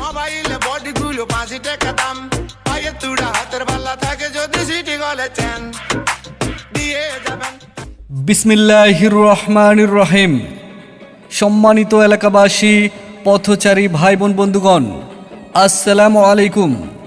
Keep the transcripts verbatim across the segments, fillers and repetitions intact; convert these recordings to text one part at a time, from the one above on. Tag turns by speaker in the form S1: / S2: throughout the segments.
S1: মোবাইলে বডি গুলো পাঁচি টাকা দাম, পায়ে তুড়া হাতের বালা থাকে যদি সিটি গলে চেন দিয়ে যাবেন।
S2: বিসমিল্লাহির রহমানির রহিম। সম্মানিত এলাকাবাসী, পথচারী ভাই বোন বন্ধুগণ, আসসালামু আলাইকুম।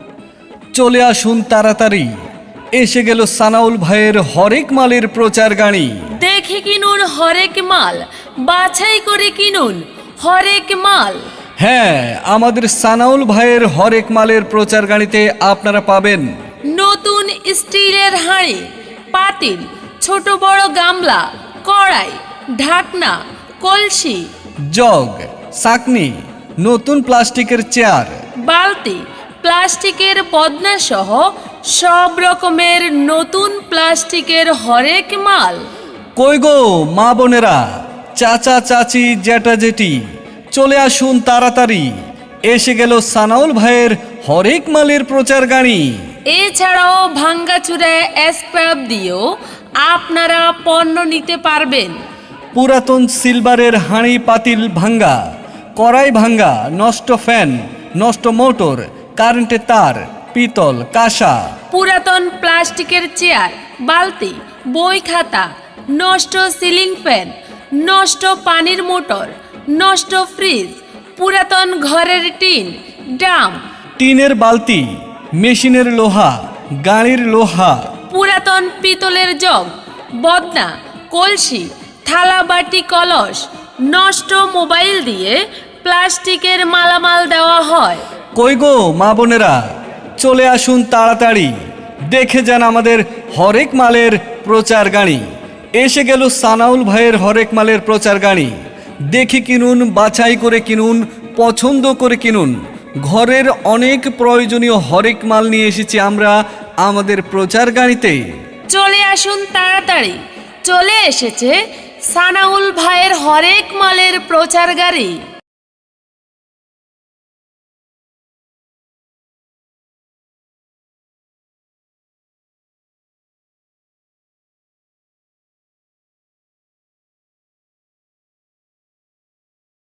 S2: চলে আসুন তাড়াতাড়ি, এসে গেল সানাউল ভাইয়ের হরেক মালের প্রচার গাড়ি।
S3: দেখে কিনুন হরেক মাল, বাছাই করে কিনুন হরেক মাল।
S2: হ্যাঁ, আমাদের সানাউল ভাইয়ের হরেক মালের প্রচার গাড়িতে আপনারা পাবেন
S3: নতুন স্টিলের হাঁড়ি, পাতিল, ছোট বড় গামলা, কড়াই, ঢাকনা, কলসি,
S2: জগ, ছাঁকনি, নতুন প্লাস্টিকের চেয়ার,
S3: বালতি, প্লাস্টিকের বদনা সহ সব রকমের নতুন প্লাস্টিকের হরেক মাল।
S2: কই গো মা বোনেরা, চাচা চাচি, জ্যাঠা জেঠি, চলে আসুন তাড়াতাড়ি, এসে গেল সানাউল ভাইয়ের হরেক মালের প্রচার গাড়ি।
S3: এছাড়াও ভাঙ্গাচুরা স্ক্র্যাপ দিয়েও আপনারা পণ্য নিতে পারবেন।
S2: পুরাতন সিলভারের হাঁড়ি পাতিল ভাঙ্গা, কড়াই ভাঙ্গা, নষ্ট ফ্যান, নষ্ট মোটর, কারেন্টের তার, পিতল, কাঁসা,
S3: পুরাতন প্লাস্টিকের চেয়ার, বালতি, বই খাতা, নষ্ট সিলিং ফ্যান, নষ্ট পানির মোটর, নষ্ট ফ্রিজ, পুরাতন ঘরের টিন, ড্রাম,
S2: টিনের বালতি, মেশিনের লোহা, গাড়ির লোহা,
S3: পুরাতন পিতলের জগ, বদনা, কলসি, থালা বাটি, কলস, নষ্ট মোবাইল দিয়ে প্লাস্টিকের মালামাল দেওয়া হয়।
S2: কই গো মা বোনেরা, চলে আসুন তাড়াতাড়ি, দেখে যান আমাদের হরেক মালের প্রচার গাড়ি। এসে গেল সানাউল ভাইয়ের হরেক মালের প্রচার গাড়ি। দেখে কিনুন, বাছাই করে কিনুন, পছন্দ করে কিনুন। ঘরের অনেক প্রয়োজনীয় হরেক মাল নিয়ে এসেছি আমরা আমাদের প্রচার গাড়িতে।
S3: চলে আসুন তাড়াতাড়ি, চলে এসেছে সানাউল ভাইয়ের হরেক মালের প্রচার গাড়ি।